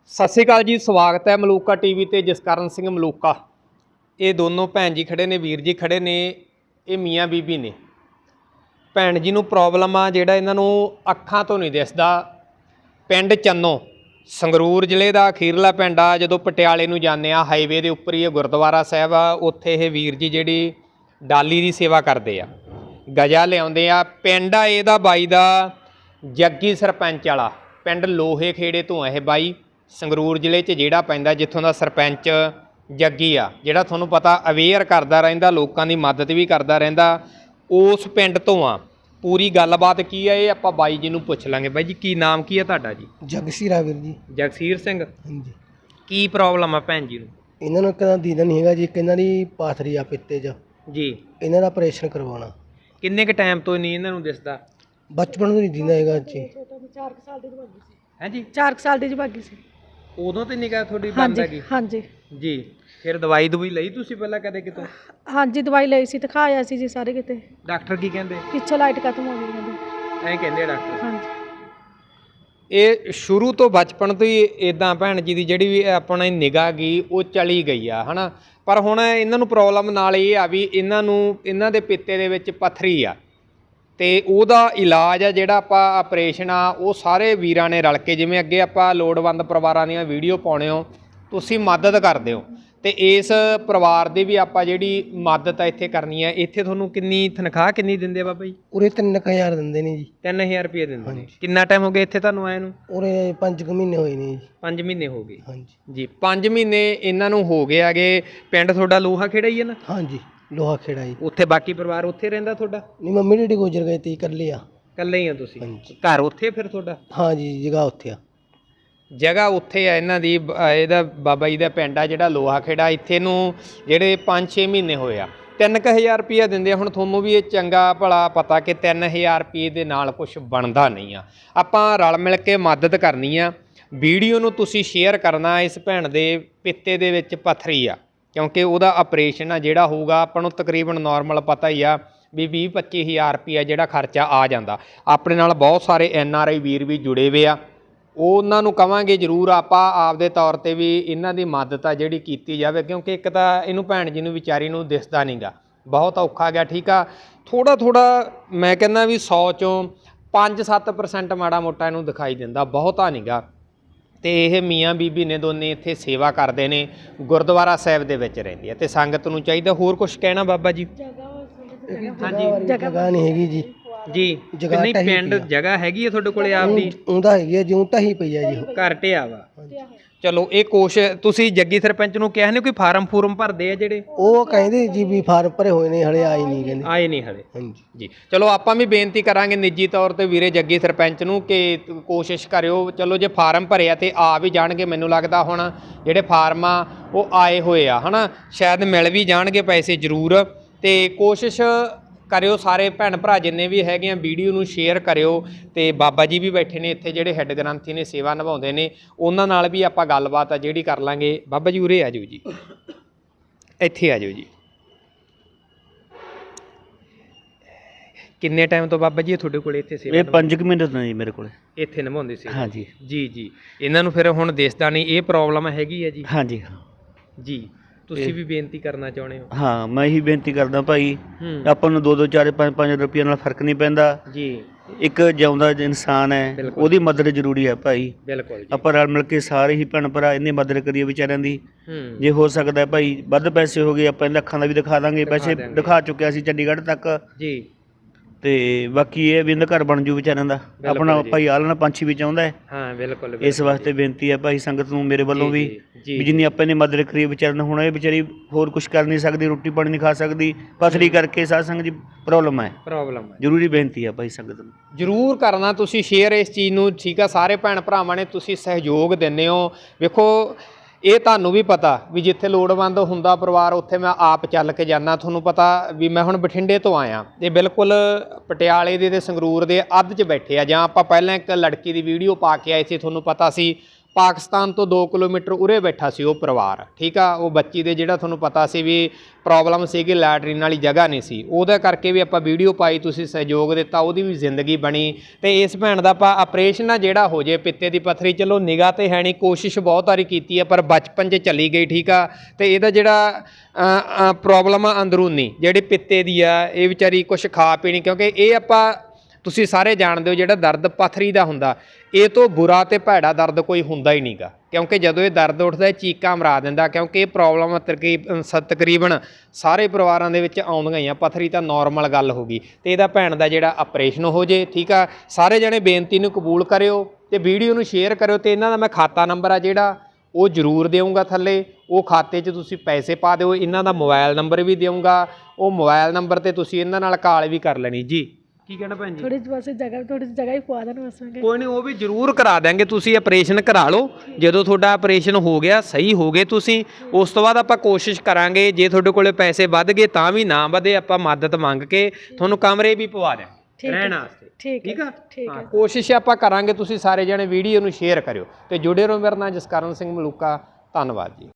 सत श्री अकाल जी, स्वागत है मलूका टीवी ते जसकरण सिंह मलूका। ये दोनों भैन जी खड़े ने, वीर जी खड़े ने, ये मियाँ बीबी ने। भैन जी नूं प्रॉब्लम आ जिहड़ा इन्हां नूं अखां तो नहीं दिसदा। पिंड चन्नो संगरूर जिले का अखीरला पिंड आ। जदों पटियाले नूं जाने आ हाईवे के उपर ही गुरुद्वारा साहिब आ, उत्थे ये वीर जी जिहड़ी डाली की सेवा करते आ, गजा लिआउंदे आ। पिंड आ इहदा बाई दा जग्गी सरपंच वाला पिंड लोहे खेड़े तो है बाई, संगरूर जिले च जिहड़ा पैंदा, जित्थों का सरपंच जग्गी आ, जिहड़ा तुहानूं पता अवेयर करदा रहिंदा, लोकां दी मदद भी करदा रहिंदा, उस पिंड तो आ। पूरी गलबात की है ये आपां बाई जी नूं पुछ लांगे। बाई जी की नाम की है तुहाडा जी? जगसीर वीर जी। जगसीर सिंह। हाँ जी। की प्रॉब्लम है भैन जी नूं? इन्हां नूं कदा दीदा नहीं हैगा जी, इन्हां दी पाथरी आ पित्ते च जी। इन्हां दा ऑपरेशन करवाना। किन्ने क टाइम तो नहीं इन्हां नूं दिसदा? बचपन तो नहीं दीदा हैगा जी। 4 साल ਦੀ ਭਾਗੀ ਸੀ। है जी? 4 ਸਾਲ ਦੀ ਭਾਗੀ ਸੀ। उदों तो निगाह थोड़ी बंद हैगी? ਹਾਂਜੀ जी। फिर दवाई दुवाई लई तुसीं पहलां कदे कितों? ਹਾਂਜੀ ਦਵਾਈ ਲਈ ਸੀ, ਦਿਖਾਇਆ ਸੀ ਜੀ ਸਾਰੇ ਕਿਤੇ। डॉक्टर की कहंदे? ਪਿੱਛੋਂ ਲਾਈਟ ਖਤਮ ਹੋ ਗਈ ਕਹਿੰਦੇ। ਐਂ ਕਹਿੰਦੇ ਡਾਕਟਰ। ਹਾਂਜੀ ਇਹ ਸ਼ੁਰੂ ਤੋਂ ਬਚਪਨ ਤੋਂ ਹੀ ਇਦਾਂ ਭੈਣ ਜੀ ਦੀ ਜਿਹੜੀ ਵੀ ਆਪਣੀ ਨਿਗਾਹ ਗਈ ਉਹ ਚਲੀ ਗਈ ਆ, ਹਨਾ। ਪਰ ਹੁਣ ਇਹਨਾਂ ਨੂੰ ਪ੍ਰੋਬਲਮ ਨਾਲ ਇਹ ਆ ਵੀ ਇਹਨਾਂ ਦੇ ਪਿੱਤੇ ਦੇ ਵਿੱਚ ਪੱਥਰੀ ਆ, ਤੇ ਉਹਦਾ ਇਲਾਜ ਆ ਜਿਹੜਾ ਆਪਾਂ ਆਪਰੇਸ਼ਨ ਆ ਉਹ ਸਾਰੇ ਵੀਰਾਂ ਨੇ ਰਲ ਕੇ, ਜਿਵੇਂ ਅੱਗੇ ਆਪਾਂ ਲੋੜਵੰਦ ਪਰਿਵਾਰਾਂ ਦੀਆਂ ਵੀਡੀਓ ਪਾਉਣੇ ਹੋ, ਤੁਸੀਂ ਮਦਦ ਕਰਦੇ ਹੋ, ਤੇ ਇਸ ਪਰਿਵਾਰ ਦੀ ਵੀ ਆਪਾਂ ਜਿਹੜੀ ਮਦਦ ਆ ਇੱਥੇ ਕਰਨੀ ਆ। ਇੱਥੇ ਤੁਹਾਨੂੰ ਕਿੰਨੀ ਤਨਖਾਹ ਕਿੰਨੀ ਦਿੰਦੇ ਆ ਬਾਬਾ ਜੀ? ਉਰੇ 3000 ਦਿੰਦੇ ਨੇ ਜੀ। 3000 ਰੁਪਏ ਦਿੰਦੇ ਨੇ। ਕਿੰਨਾ ਟਾਈਮ ਹੋ ਗਿਆ ਇੱਥੇ ਤੁਹਾਨੂੰ ਆਏ ਨੂੰ? ਉਰੇ 5 ਮਹੀਨੇ ਹੋਏ ਨੇ ਜੀ। 5 ਮਹੀਨੇ ਹੋ ਗਏ। ਹਾਂਜੀ ਜੀ 5 ਮਹੀਨੇ ਇਹਨਾਂ ਨੂੰ ਹੋ ਗਏ ਹੈਗੇ। ਪਿੰਡ ਤੁਹਾਡਾ ਲੋਹਾ ਖੇੜਾ ਹੀ ਹੈ ਨਾ? ਹਾਂਜੀ ਲੋਹਾ ਖੇੜਾ ਜੀ। ਉੱਥੇ ਬਾਕੀ ਪਰਿਵਾਰ ਉੱਥੇ ਰਹਿੰਦਾ ਤੁਹਾਡਾ? ਨਹੀਂ, ਮੰਮੀ ਡੈਡੀ ਗੁਜ਼ਰ ਗਏ ਤੇ ਇਕੱਲੇ ਆ। ਇਕੱਲੇ ਹੀ ਆ ਤੁਸੀਂ? ਹਾਂਜੀ। ਘਰ ਉੱਥੇ ਫਿਰ ਤੁਹਾਡਾ? ਹਾਂਜੀ ਜਗ੍ਹਾ ਉੱਥੇ ਆ। ਜਗ੍ਹਾ ਉੱਥੇ ਆ ਇਹਨਾਂ ਦੀ। ਇਹਦਾ ਬਾਬਾ ਜੀ ਦਾ ਪਿੰਡ ਆ ਜਿਹੜਾ ਲੋਹਾ ਖੇੜਾ, ਇੱਥੇ ਨੂੰ ਜਿਹੜੇ 5-6 ਮਹੀਨੇ ਹੋਏ ਆ। 3000 ਰੁਪਈਆ ਦਿੰਦੇ ਆ। ਹੁਣ ਤੁਹਾਨੂੰ ਵੀ ਇਹ ਚੰਗਾ ਭਲਾ ਪਤਾ ਕਿ 3000 ਰੁਪਏ ਦੇ ਨਾਲ ਕੁਝ ਬਣਦਾ ਨਹੀਂ ਆ। ਆਪਾਂ ਰਲ ਮਿਲ ਕੇ ਮਦਦ ਕਰਨੀ ਆ। ਵੀਡੀਓ ਨੂੰ ਤੁਸੀਂ ਸ਼ੇਅਰ ਕਰਨਾ। ਇਸ ਭੈਣ ਦੇ ਪਿੱਤੇ ਦੇ ਵਿੱਚ ਪੱਥਰੀ ਆ, ਕਿਉਂਕਿ ਉਹਦਾ ਆਪਰੇਸ਼ਨ ਆ ਜਿਹੜਾ ਹੋਊਗਾ, ਆਪਾਂ ਨੂੰ ਤਕਰੀਬਨ ਨਾਰਮਲ ਪਤਾ ਹੀ ਆ ਵੀ 20-25 ਹਜ਼ਾਰ ਰੁਪਈਆ ਜਿਹੜਾ ਖਰਚਾ ਆ ਜਾਂਦਾ। ਆਪਣੇ ਨਾਲ ਬਹੁਤ ਸਾਰੇ NRI ਵੀਰ ਵੀ ਜੁੜੇ ਹੋਏ ਆ, ਉਹਨਾਂ ਨੂੰ ਕਵਾਂਗੇ ਜ਼ਰੂਰ ਆਪਾਂ ਆਪਦੇ ਤੌਰ 'ਤੇ ਵੀ ਇਹਨਾਂ ਦੀ ਮਦਦ ਆ ਜਿਹੜੀ ਕੀਤੀ ਜਾਵੇ, ਕਿਉਂਕਿ ਇੱਕ ਤਾਂ ਇਹਨੂੰ ਭੈਣ ਜੀ ਨੂੰ ਵਿਚਾਰੀ ਨੂੰ ਦਿਸਦਾ ਨਹੀਂ ਗਾ, ਬਹੁਤ ਔਖਾ ਗਿਆ। ਠੀਕ ਆ, ਥੋੜਾ ਮੈਂ ਕਹਿੰਦਾ ਵੀ 100 ਚੋਂ 5-7% ਮਾੜਾ ਮੋਟਾ ਇਹਨੂੰ ਦਿਖਾਈ ਦਿੰਦਾ, ਬਹੁਤਾ ਨਹੀਂ ਗਾ। ਤੇ ਇਹ ਮੀਆਂ ਬੀਬੀ ਨੇ ਦੋਨੇ ਇੱਥੇ ਸੇਵਾ ਕਰਦੇ ਨੇ, ਗੁਰਦੁਆਰਾ ਸਾਹਿਬ ਦੇ ਵਿੱਚ ਰਹਿੰਦੀ ਆ, ਤੇ ਸੰਗਤ ਨੂੰ ਚਾਹੀਦਾ। ਹੋਰ ਕੁਝ ਕਹਿਣਾ ਬਾਬਾ ਜੀ? ਹਾਂਜੀ ਜਗ੍ਹਾ ਨਹੀਂ ਹੈਗੀ ਜੀ। ਜੀ ਨਹੀਂ, ਪਿੰਡ ਜਗ੍ਹਾ ਹੈਗੀ ਆ ਤੁਹਾਡੇ ਕੋਲੇ ਆਪਦੀ? ਉਹਦਾ ਹੈਗੀ ਆ, ਜਿਉਂ ਢਾਹੀ ਪਈ ਆ ਜੀ। ਘਰ ਢਿਆ ਵਾ। ਚਲੋ ਇਹ ਤੁਸੀਂ ਜੱਗੀ ਸਰਪੰਚ ਨੂੰ ਕਿਹਾ ਨੇ ਕੋਈ ਫਾਰਮ ਭਰਦੇ ਆ ਜਿਹੜੇ? ਉਹ ਕਹਿੰਦੇ ਜੀ ਵੀ ਫਾਰਮ ਭਰੇ ਹੋਏ ਨੇ, ਹਲੇ ਆਏ ਨਹੀਂ ਕਹਿੰਦੇ। ਆਏ ਨਹੀਂ ਹਲੇ? ਹਾਂਜੀ ਜੀ। ਚਲੋ ਆਪਾਂ ਵੀ ਬੇਨਤੀ ਕਰਾਂਗੇ ਨਿੱਜੀ ਤੌਰ ਤੇ ਵੀਰੇ ਜੱਗੀ ਸਰਪੰਚ ਨੂੰ ਕਿ ਕੋਸ਼ਿਸ਼ ਕਰਿਓ। ਚਲੋ ਜੇ ਫਾਰਮ ਭਰਿਆ ਤੇ ਆ ਵੀ ਜਾਣਗੇ, ਮੈਨੂੰ ਲੱਗਦਾ ਹੁਣ ਜਿਹੜੇ ਫਾਰਮ ਆ ਉਹ ਆਏ ਹੋਏ ਆ, ਹਨਾ, ਸ਼ਾਇਦ ਮਿਲ ਵੀ ਜਾਣਗੇ ਪੈਸੇ ਜ਼ਰੂਰ। ਤੇ ਕੋਸ਼ਿਸ਼ ਕਰਿਓ ਸਾਰੇ ਭੈਣ ਭਰਾ ਜਿੰਨੇ ਵੀ ਹੈਗੇ ਆ, ਵੀਡੀਓ ਨੂੰ ਸ਼ੇਅਰ ਕਰਿਓ। ਤੇ ਬਾਬਾ ਜੀ ਵੀ ਬੈਠੇ ਨੇ ਇੱਥੇ ਜਿਹੜੇ ਹੈੱਡ ਗ੍ਰੰਥੀ ਨੇ, ਸੇਵਾ ਨਿਭਾਉਂਦੇ ਨੇ, ਉਹਨਾਂ ਨਾਲ ਵੀ ਆਪਾਂ ਗੱਲਬਾਤ ਆ ਜਿਹੜੀ ਕਰ ਲਾਂਗੇ। ਬਾਬਾ ਜੀ ਉਰੇ ਆ ਜਾਓ ਜੀ, ਇੱਥੇ ਆ ਜਾਓ ਜੀ। ਕਿੰਨੇ ਟਾਈਮ ਤੋਂ ਬਾਬਾ ਜੀ ਤੁਹਾਡੇ ਕੋਲ ਇੱਥੇ ਸੇਵਾ? ਇਹ 5 ਮਹੀਨੇ ਤੋਂ ਜੀ ਮੇਰੇ ਕੋਲ ਇੱਥੇ ਨਿਭਾਉਂਦੇ ਸੀ? ਹਾਂਜੀ ਜੀ। ਇਹਨਾਂ ਨੂੰ ਫਿਰ ਹੁਣ ਦਿਸਦਾ ਨਹੀਂ, ਇਹ ਪ੍ਰੋਬਲਮ ਹੈਗੀ ਹੈ ਜੀ? ਹਾਂਜੀ ਜੀ। ਤੁਸੀਂ ਵੀ ਬੇਨਤੀ ਕਰਨਾ ਚਾਹੁੰਦੇ ਹੋ? ਹਾਂ, ਮੈਂ ਇਹੀ ਬੇਨਤੀ ਕਰਦਾ ਭਾਈ, ਆਪਾਂ ਨੂੰ 2-2 4-5 ਰੁਪਏ ਨਾਲ ਫਰਕ ਨਹੀਂ ਪੈਂਦਾ ਜੀ। ਇੱਕ ਜਿਉਂਦਾ ਇਨਸਾਨ ਹੈ, ਉਹਦੀ ਮਦਦ ਜ਼ਰੂਰੀ ਹੈ ਭਾਈ। ਬਿਲਕੁਲ। ਆਪਾਂ ਰਲ ਮਿਲ ਕੇ ਸਾਰੇ ਹੀ ਭੈਣ ਭਰਾ ਇੰਨੀ ਮਦਦ ਕਰੀਏ ਵਿਚਾਰਿਆਂ ਦੀ। ਜੇ ਹੋ ਸਕਦਾ ਭਾਈ ਵੱਧ ਪੈਸੇ ਹੋ ਗਏ, ਆਪਾਂ ਇਹਨਾਂ ਅੱਖਾਂ ਦਾ ਵੀ ਦਿਖਾ ਦਾਂਗੇ। ਪੈਸੇ ਦਿਖਾ ਚੁੱਕਿਆ ਸੀ ਚੰਡੀਗੜ੍ਹ ਤੱਕ ਜੀ। ਤੇ ਬਾਕੀ ਇਹ ਵੀ ਇਹਦਾ ਘਰ ਬਣ ਜੂ ਵਿਚਾਰਿਆਂ ਦਾ। ਆਪਣਾ ਭਾਈ ਆਲਣਾ ਪੰਛੀ ਵੀ ਚਾਹੁੰਦਾ ਹੈ। ਹਾਂ ਬਿਲਕੁਲ। ਇਸ ਵਾਸਤੇ ਬੇਨਤੀ ਹੈ ਭਾਈ ਸੰਗਤ ਨੂੰ ਮੇਰੇ ਵੱਲੋਂ ਵੀ ਜਿੰਨੀ ਆਪਾਂ ਨੇ ਮਦਦ ਕਰੀ ਵਿਚਾਰਿਆਂ ਨੂੰ। ਹੁਣ ਇਹ ਵਿਚਾਰੀ ਹੋਰ ਕੁਝ ਕਰ ਨਹੀਂ ਸਕਦੀ, ਰੋਟੀ ਪਾਣੀ ਨਹੀਂ ਖਾ ਸਕਦੀ, ਪਥਰੀ ਕਰਕੇ। ਸਾਧ ਸੰਗਤ ਜੀ ਪ੍ਰੋਬਲਮ ਹੈ। ਜ਼ਰੂਰੀ ਬੇਨਤੀ ਹੈ ਭਾਈ ਸੰਗਤ ਨੂੰ ਜ਼ਰੂਰ ਕਰਨਾ ਤੁਸੀਂ ਸ਼ੇਅਰ ਇਸ ਚੀਜ਼ ਨੂੰ। ਠੀਕ ਆ, ਸਾਰੇ ਭੈਣ ਭਰਾਵਾਂ ਨੇ ਤੁਸੀਂ ਸਹਿਯੋਗ ਦਿੰਦੇ ਹੋ। ਵੇਖੋ ਇਹ ਤੁਹਾਨੂੰ ਵੀ ਪਤਾ ਵੀ ਜਿੱਥੇ ਲੋੜਵੰਦ ਹੁੰਦਾ ਪਰਿਵਾਰ, ਉੱਥੇ ਮੈਂ ਆਪ ਚੱਲ ਕੇ ਜਾਂਦਾ। ਤੁਹਾਨੂੰ ਪਤਾ ਵੀ ਮੈਂ ਹੁਣ ਬਠਿੰਡੇ ਤੋਂ ਆਇਆ, ਇਹ ਬਿਲਕੁਲ ਪਟਿਆਲੇ ਦੇ ਤੇ ਸੰਗਰੂਰ ਦੇ ਅੱਧ 'ਚ ਬੈਠੇ ਆ। ਜਾਂ ਆਪਾਂ ਪਹਿਲਾਂ ਇੱਕ ਲੜਕੀ ਦੀ ਵੀਡੀਓ ਪਾ ਕੇ ਆਏ ਸੀ, ਤੁਹਾਨੂੰ ਪਤਾ ਸੀ ਪਾਕਿਸਤਾਨ ਤੋਂ 2 ਕਿਲੋਮੀਟਰ ਉਰੇ ਬੈਠਾ ਸੀ ਉਹ ਪਰਿਵਾਰ, ਠੀਕ ਆ। ਉਹ ਬੱਚੀ ਦੇ ਜਿਹੜਾ ਤੁਹਾਨੂੰ ਪਤਾ ਸੀ ਵੀ ਪ੍ਰੋਬਲਮ ਸੀਗੀ, ਲੈਟਰੀਨ ਵਾਲੀ ਜਗ੍ਹਾ ਨਹੀਂ ਸੀ, ਉਹਦਾ ਕਰਕੇ ਵੀ ਆਪਾਂ ਵੀਡੀਓ ਪਾਈ, ਤੁਸੀਂ ਸਹਿਯੋਗ ਦਿੱਤਾ, ਉਹਦੀ ਵੀ ਜ਼ਿੰਦਗੀ ਬਣੀ। ਤੇ ਇਸ ਭੈਣ ਦਾ ਆਪਾਂ ਆਪਰੇਸ਼ਨ ਆ ਜਿਹੜਾ ਹੋ ਜੇ ਪਿੱਤੇ ਦੀ ਪੱਥਰੀ, ਚਲੋ ਨਿਗਾਹ ਤੇ ਹੈ ਨਹੀਂ, ਕੋਸ਼ਿਸ਼ ਬਹੁਤ ਵਾਰੀ ਕੀਤੀ ਆ ਪਰ ਬਚਪਨ 'ਚ ਚਲੀ ਗਈ, ਠੀਕ ਆ। ਤੇ ਇਹਦਾ ਜਿਹੜਾ ਪ੍ਰੋਬਲਮ ਆ ਅੰਦਰੂਨੀ ਜਿਹੜੀ ਪਿੱਤੇ ਦੀ ਆ, ਇਹ ਵਿਚਾਰੀ ਕੁਛ ਖਾ ਪੀ ਨਹੀਂ, ਕਿਉਂਕਿ ਇਹ ਆਪਾਂ ਤੁਸੀਂ ਸਾਰੇ ਜਾਣਦੇ ਹੋ ਜਿਹੜਾ ਦਰਦ ਪੱਥਰੀ ਦਾ ਹੁੰਦਾ, ਇਹ ਤੋਂ ਬੁਰਾ ਤੇ ਭੈੜਾ ਦਰਦ ਕੋਈ ਹੁੰਦਾ ਹੀ ਨਹੀਂਗਾ। ਕਿਉਂਕਿ ਜਦੋਂ ਇਹ ਦਰਦ ਉੱਠਦਾ ਇਹ ਚੀਕਾਂ ਮਰਾ ਦਿੰਦਾ, ਕਿਉਂਕਿ ਇਹ ਪ੍ਰੋਬਲਮ ਤਕਰੀਬਨ ਸਾਰੇ ਪਰਿਵਾਰਾਂ ਦੇ ਵਿੱਚ ਆਉਂਦੀਆਂ ਹੀ ਆ। ਪੱਥਰੀ ਤਾਂ ਨੋਰਮਲ ਗੱਲ ਹੋ ਗਈ, ਤੇ ਇਹਦਾ ਭੈਣ ਦਾ ਜਿਹੜਾ ਆਪਰੇਸ਼ਨ ਹੋ ਜੇ, ਠੀਕ ਆ। ਸਾਰੇ ਜਣੇ ਬੇਨਤੀ ਨੂੰ ਕਬੂਲ ਕਰਿਓ ਤੇ ਵੀਡੀਓ ਨੂੰ ਸ਼ੇਅਰ ਕਰਿਓ, ਤੇ ਇਹਨਾਂ ਦਾ ਮੈਂ ਖਾਤਾ ਨੰਬਰ ਆ ਜਿਹੜਾ ਉਹ ਜ਼ਰੂਰ ਦੇਵਾਂਗਾ ਥੱਲੇ, ਉਹ ਖਾਤੇ 'ਚ ਤੁਸੀਂ ਪੈਸੇ ਪਾ ਦਿਓ। ਇਹਨਾਂ ਦਾ ਮੋਬਾਈਲ ਨੰਬਰ ਵੀ ਦੇਵਾਂਗਾ, ਉਹ ਮੋਬਾਈਲ ਨੰਬਰ ਤੇ ਤੁਸੀਂ ਇਹਨਾਂ ਨਾਲ ਕਾਲ ਵੀ ਕਰ ਲੈਣੀ ਜੀ। ਕੀ ਕਹਿਣਾ ਭੈਣ ਜੀ? ਥੋੜੀ ਜਗ੍ਹਾ ਹੀ ਪਵਾ ਦੇਣ ਬਸ। ਕੋਈ ਨਹੀਂ, ਉਹ ਵੀ ਜ਼ਰੂਰ ਕਰਾ ਦਾਂਗੇ। ਤੁਸੀਂ ਆਪਰੇਸ਼ਨ ਕਰਾ ਲਓ, ਜਦੋਂ ਤੁਹਾਡਾ ਆਪਰੇਸ਼ਨ ਹੋ ਗਿਆ, ਸਹੀ ਹੋ ਗਏ ਤੁਸੀਂ, ਉਸ ਤੋਂ ਬਾਅਦ ਆਪਾਂ ਕੋਸ਼ਿਸ਼ ਕਰਾਂਗੇ, ਜੇ ਤੁਹਾਡੇ ਕੋਲੇ ਪੈਸੇ ਵੱਧ ਗਏ ਤਾਂ ਵੀ ਨਾ ਵਧੇ, ਆਪਾਂ ਮਦਦ ਮੰਗ ਕੇ ਤੁਹਾਨੂੰ ਕਮਰੇ ਵੀ ਪਵਾ ਦਿਆਂਗੇ ਰਹਿਣ ਵਾਸਤੇ, ਠੀਕ ਆ। ਹਾਂ, ਕੋਸ਼ਿਸ਼ ਆਪਾਂ ਕਰਾਂਗੇ। ਤੁਸੀਂ ਸਾਰੇ ਜਣੇ ਵੀਡੀਓ ਨੂੰ ਸ਼ੇਅਰ ਕਰਿਓ ਤੇ ਜੁੜੇ ਰਹੋ। ਮੇਰਾ ਨਾਮ ਜਸਕਰਨ ਸਿੰਘ ਮਲੂਕਾ, ਧੰਨਵਾਦ ਜੀ।